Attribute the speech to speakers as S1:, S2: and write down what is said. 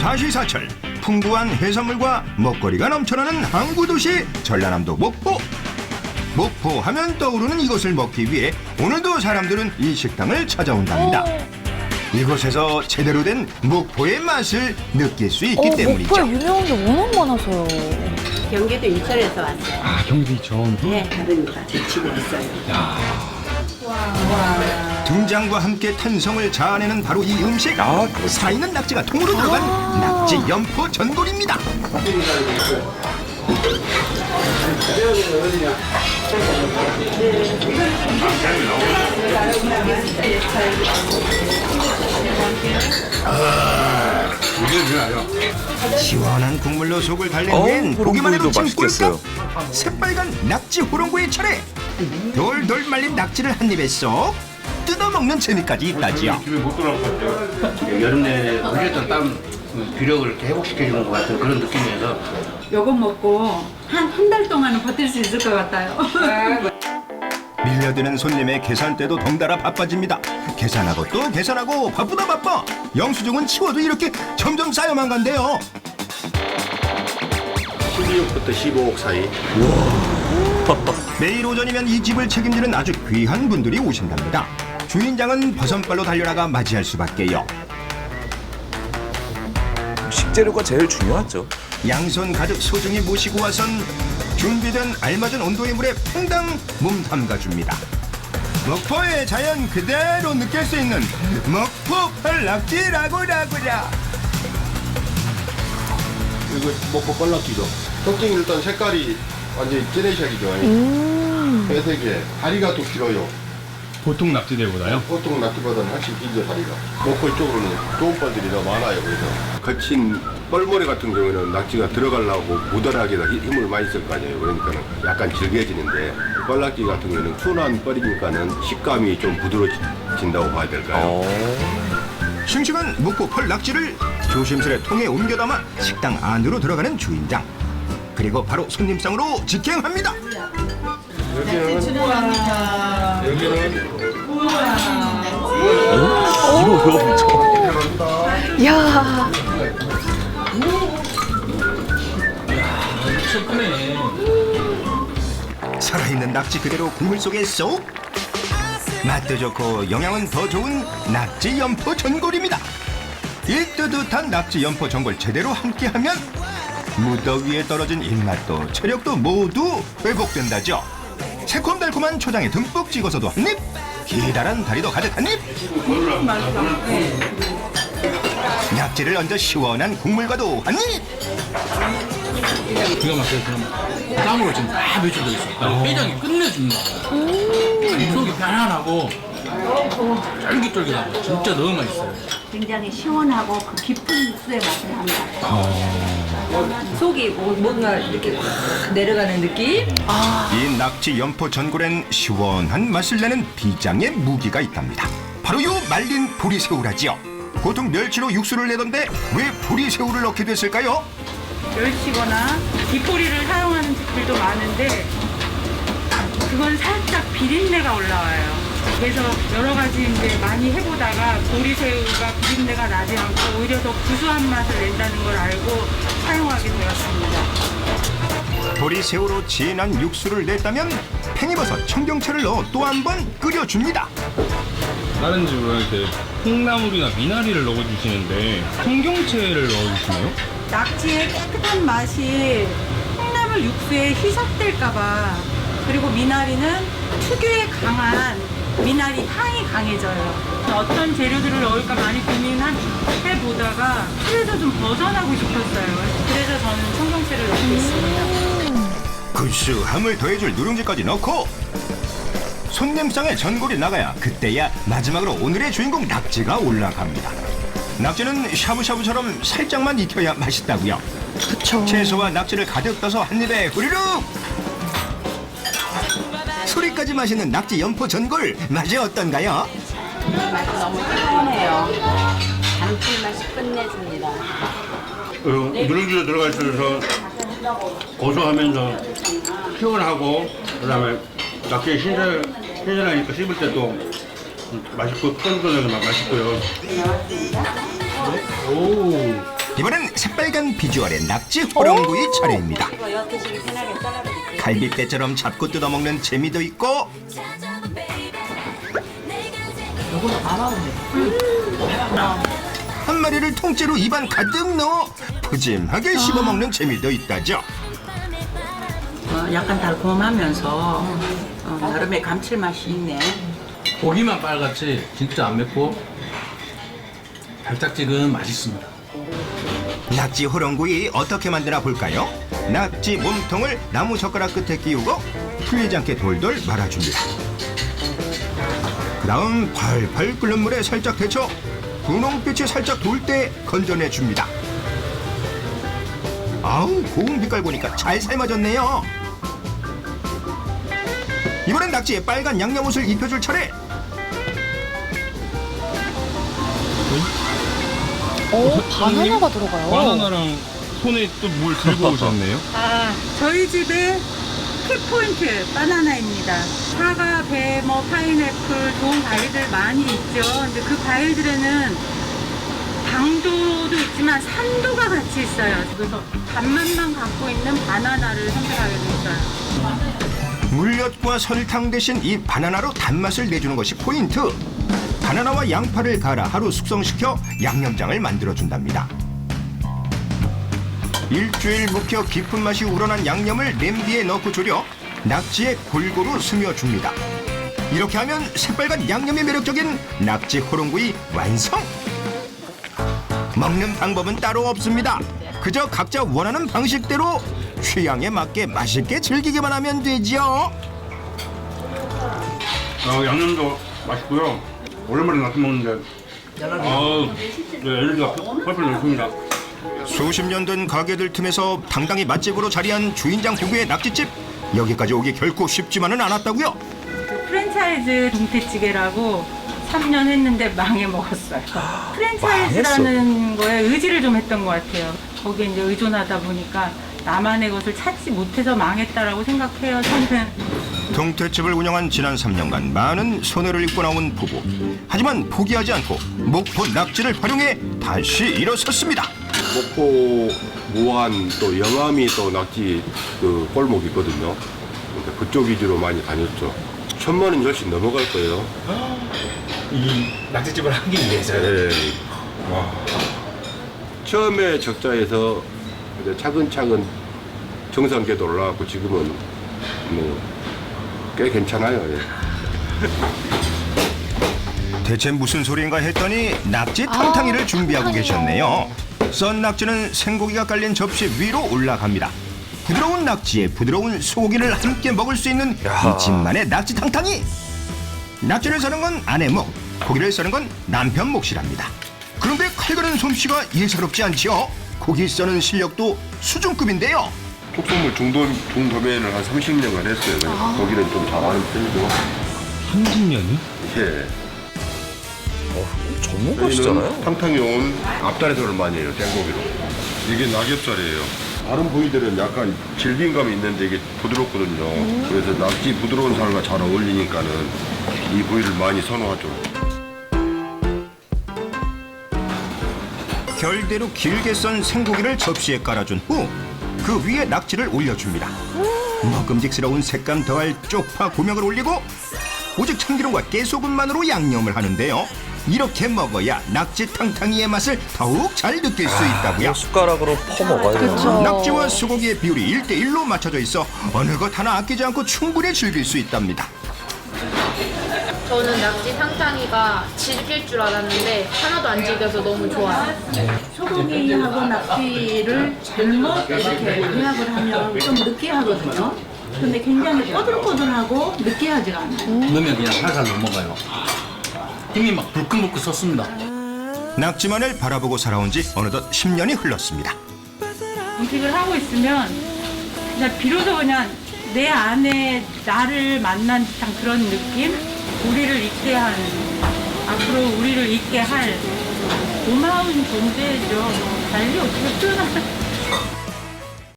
S1: 사시사철 풍부한 해산물과 먹거리가 넘쳐나는 항구도시 전라남도 목포. 목포 하면 떠오르는 이것을 먹기 위해 오늘도 사람들은 이 식당을 찾아온답니다. 이곳에서 제대로 된 목포의 맛을 느낄 수 있기 때문이죠.
S2: 목포에 유명한 게 워낙 많아서요.
S3: 경기도 인천에서 왔어요.
S4: 아, 경기 처음.
S3: 네, 그러니까 집에 있어요.
S1: 등장과 함께 탄성을 자아내는 바로 이 음식. 살아있는 낙지가 통으로 들어간 낙지 연포 전골입니다. 시원한 국물로 속을 달랜 후엔 보기만 해도 침 꿀꺽. 새빨간 낙지 호롱구의 차례. 돌돌 말린 낙지를 한 입에 쏙 뜯어먹는 재미까지 있다지요.
S5: 집에 못 돌아올 것 같아요. 여름 내내 흘렸던 땀 비력을 이렇게 회복시켜주는 것 같은 그런 느낌이어서
S6: 요거 먹고 한 달 동안은 버틸 수 있을 것 같아요.
S1: 밀려드는 손님의 계산대도 덩달아 바빠집니다. 계산하고 또 계산하고 바쁘다 바빠. 영수증은 치워도 이렇게 점점 쌓여만 간대요.
S5: 12억부터 15억 사이.
S1: 매일 오전이면 이 집을 책임지는 아주 귀한 분들이 오신답니다. 주인장은 버선발로 달려나가 맞이할 수밖에요.
S7: 식재료가 제일 중요하죠.
S1: 양손 가득 소중히 모시고 와선 준비된 알맞은 온도의 물에 퐁당 몸 담가줍니다. 목포의 자연 그대로 느낄 수 있는 목포 펄낙지라고라고라.
S8: 그리고 목포 뻘락기죠. 껍데기 일단 색깔이 완전히 찌레샥이죠. 회색에 다리가 또 길어요.
S4: 보통 낙지대보다요?
S8: 보통 낙지보다는 훨씬 길죠, 다리가. 목포 이쪽으로는 좋은 뻘들이 더 많아요. 그래서
S9: 거친 뻘모래 같은 경우에는 낙지가 들어가려고 무던하게다 힘을 많이 쓸 거 아니에요. 그러니까 약간 질겨지는데 뻘낙지 같은 경우에는 순한 뻘이니까는 식감이 좀 부드러워진다고 봐야 될까요?
S1: 싱싱한 목포 펄낙지를 조심스레 통에 옮겨 담아 식당 안으로 들어가는 주인장. 그리고 바로 손님상으로 직행합니다.
S2: 이야.
S1: 살아있는 낙지 그대로 국물 속에 쏙. 맛도 좋고 영양은 더 좋은 낙지 연포 전골입니다. 이 뜨뜻한 낙지 연포 전골 제대로 함께하면 무더위에 떨어진 입맛도 체력도 모두 회복된다죠. 새콤달콤한 초장에 듬뿍 찍어서도 한 입, 기다란 다리도 가득 한 입. 낙지를 얹어 시원한 국물과도 한 입.
S4: 기가 막혀요. 그럼 땀으로 지금 다 배출되어 있어. 회장이 끝내줍니다. 속이 편안하고 쫄깃쫄깃하고 진짜 너무 맛있어요.
S3: 굉장히 시원하고 그 깊은 육수의 맛을 합니다.
S10: 속이 뭔가 이렇게 확 내려가는 느낌?
S1: 이 낙지 연포 전골엔 시원한 맛을 내는 비장의 무기가 있답니다. 바로 요 말린 보리새우라지요. 보통 멸치로 육수를 내던데 왜 보리새우를 넣게 됐을까요?
S6: 멸치거나 뒷포리를 사용하는 집들도 많은데 그건 살짝 비린내가 올라와요. 그래서 여러 가지 이제 많이 해보다가 보리새우가 비린내가 나지 않고 오히려 더 구수한 맛을 낸다는 걸 알고 사용하게 되었습니다.
S1: 보리새우로 진한 육수를 냈다면 팽이버섯, 청경채를 넣어 또 한 번 끓여줍니다.
S4: 다른 집은 이렇게 콩나물이나 미나리를 넣어주시는데 청경채를 넣어주시나요?
S6: 낙지의 깨끗한 맛이 콩나물 육수에 희석될까봐, 그리고 미나리는 특유의 강한 미나리 향이 강해져요. 어떤 재료들을 넣을까 많이 고민해보다가 틀에서 좀 벗어나고 싶었어요. 그래서 저는 청경채를 넣고 있습니다.
S1: 구수함을 더해줄 누룽지까지 넣고 손님상에 전골이 나가야 그때야 마지막으로 오늘의 주인공 낙지가 올라갑니다. 낙지는 샤브샤브처럼 살짝만 익혀야 맛있다고요.
S2: 그쵸.
S1: 채소와 낙지를 가득 떠서 한 입에 후루룩. 소리까지 마시는 낙지 연포 전골 맛이 어떤가요?
S3: 맛이 너무 시원해요. 감칠맛이 끝내줍니다.
S5: 누룽지가 들어가 있어서 고소하면서 시원하고 그다음에 낙지 신선하니까 씹을 때도 맛있고 쫀쫀하게 맛있고요.
S4: 오.
S1: 이번엔 새빨간 비주얼의 낙지 호롱구이 차례입니다.
S3: 이거 이렇게 편하게 잘라드릴게요.
S1: 갈비뼈처럼 잡고 뜯어먹는 재미도 있고 한 마리를 통째로 입안 가득 넣어 푸짐하게 씹어먹는 재미도 있다죠.
S3: 약간 달콤하면서 나름의 감칠맛이 있네.
S4: 고기만 빨갛지 진짜 안 맵고 달짝지근 맛있습니다.
S1: 낙지 호롱구이 어떻게 만드나 볼까요? 낙지 몸통을 나무 젓가락 끝에 끼우고 풀리지 않게 돌돌 말아줍니다. 그 다음 팔팔 끓는 물에 살짝 데쳐 분홍빛이 살짝 돌 때 건져내줍니다. 아우 고운 빛깔 보니까 잘 삶아졌네요. 이번엔 낙지에 빨간 양념옷을 입혀줄 차례.
S2: 바나나가 들어가요.
S8: 바나나랑 손에 또 뭘 들고 오셨네요?
S6: 저희 집의 키포인트 바나나입니다. 사과, 배, 파인애플 좋은 과일들 많이 있죠. 근데 그 과일들에는 당도도 있지만 산도가 같이 있어요. 그래서 단맛만 갖고 있는 바나나를 선택하게 됐어요.
S1: 물엿과 설탕 대신 이 바나나로 단맛을 내주는 것이 포인트. 바나나와 양파를 갈아 하루 숙성시켜 양념장을 만들어준답니다. 일주일 묵혀 깊은 맛이 우러난 양념을 냄비에 넣고 졸여 낙지에 골고루 스며줍니다. 이렇게 하면 새빨간 양념이 매력적인 낙지 호롱구이 완성! 먹는 방법은 따로 없습니다. 그저 각자 원하는 방식대로 취향에 맞게 맛있게 즐기기만 하면 되죠.
S5: 양념도 맛있고요. 오랜만에 낙지 먹는데 에너지가 펄펄 넘칩니다.
S1: 수십 년 된 가게들 틈에서 당당히 맛집으로 자리한 주인장 부부의 낙지집. 여기까지 오기 결코 쉽지만은 않았다고요.
S6: 그 프랜차이즈 동태찌개라고 3년 했는데 망해 먹었어요. 프랜차이즈라는 거에 의지를 좀 했던 것 같아요. 거기에 이제 의존하다 보니까 나만의 것을 찾지 못해서 망했다라고 생각해요, 저는.
S1: 동태집을 운영한 지난 3년간 많은 손해를 입고 나온 부부. 하지만 포기하지 않고 목포 낙지를 활용해 다시 일어섰습니다.
S9: 목포, 무안, 또 영암이 또 낙지 그 골목이 있거든요. 그러니까 그쪽 위주로 많이 다녔죠. 1,000만 원 훨씬 넘어갈 거예요.
S7: 이 낙지집을 하기 위해서요?
S9: 네. 처음에 적자에서 이제 차근차근 정상궤도 올라가고 지금은 뭐 꽤 괜찮아요. 예.
S1: 대체 무슨 소리인가 했더니 낙지 탕탕이를 준비하고
S2: 탕탕이요.
S1: 계셨네요. 썬 낙지는 생고기가 깔린 접시 위로 올라갑니다. 부드러운 낙지에 부드러운 소고기를 함께 먹을 수 있는 이 집만의 낙지 탕탕이. 낙지를 써는 건 아내 목, 고기를 써는 건 남편 몫이랍니다. 그런데 칼가는 솜씨가 예사롭지 않지요. 고기 써는 실력도 수준급인데요.
S9: 특수물 중도면을 한 30년간 했어요. 거기는 좀 잘하는 편이고.
S8: 30년이?
S9: 예.
S7: 전문가시잖아요.
S9: 탕탕이 온 앞다리살을 많이 해요. 생고기로. 이게 낙엽살이에요. 다른 부위들은 약간 질긴감이 있는데 이게 부드럽거든요. 그래서 낙지 부드러운 살과 잘 어울리니까는 이 부위를 많이 선호하죠.
S1: 결대로 길게 썬 생고기를 접시에 깔아준 후 그 위에 낙지를 올려줍니다. 먹음직스러운 색감 더할 쪽파 고명을 올리고 오직 참기름과 깨소금만으로 양념을 하는데요. 이렇게 먹어야 낙지 탕탕이의 맛을 더욱 잘 느낄 수 있다고요.
S7: 숟가락으로 퍼먹어야 돼요.
S2: 그쵸.
S1: 낙지와 소고기의 비율이 1대1로 맞춰져 있어 어느 것 하나 아끼지 않고 충분히 즐길 수 있답니다.
S11: 저는 낙지 탕탕이가 질길 줄 알았는데 하나도 안 질겨서 너무 좋아요.
S3: 소고기하고 낙지를 잘못 이렇게 조합을 하면 좀 느끼하거든요. 근데 굉장히 꼬들꼬들하고 느끼하지가 않아요.
S4: 넣으면 그냥 살살 넘어가요. 힘이 막 불끈불끈 섰습니다.
S1: 낙지만을 바라보고 살아온 지 어느덧 10년이 흘렀습니다.
S6: 음식을 하고 있으면 그냥 비로소 그냥 내 안에 나를 만난 듯한 그런 느낌? 우리를 있게 한, 앞으로 우리를 있게 할 고마운 존재죠. 달리 어떻게 표현하나.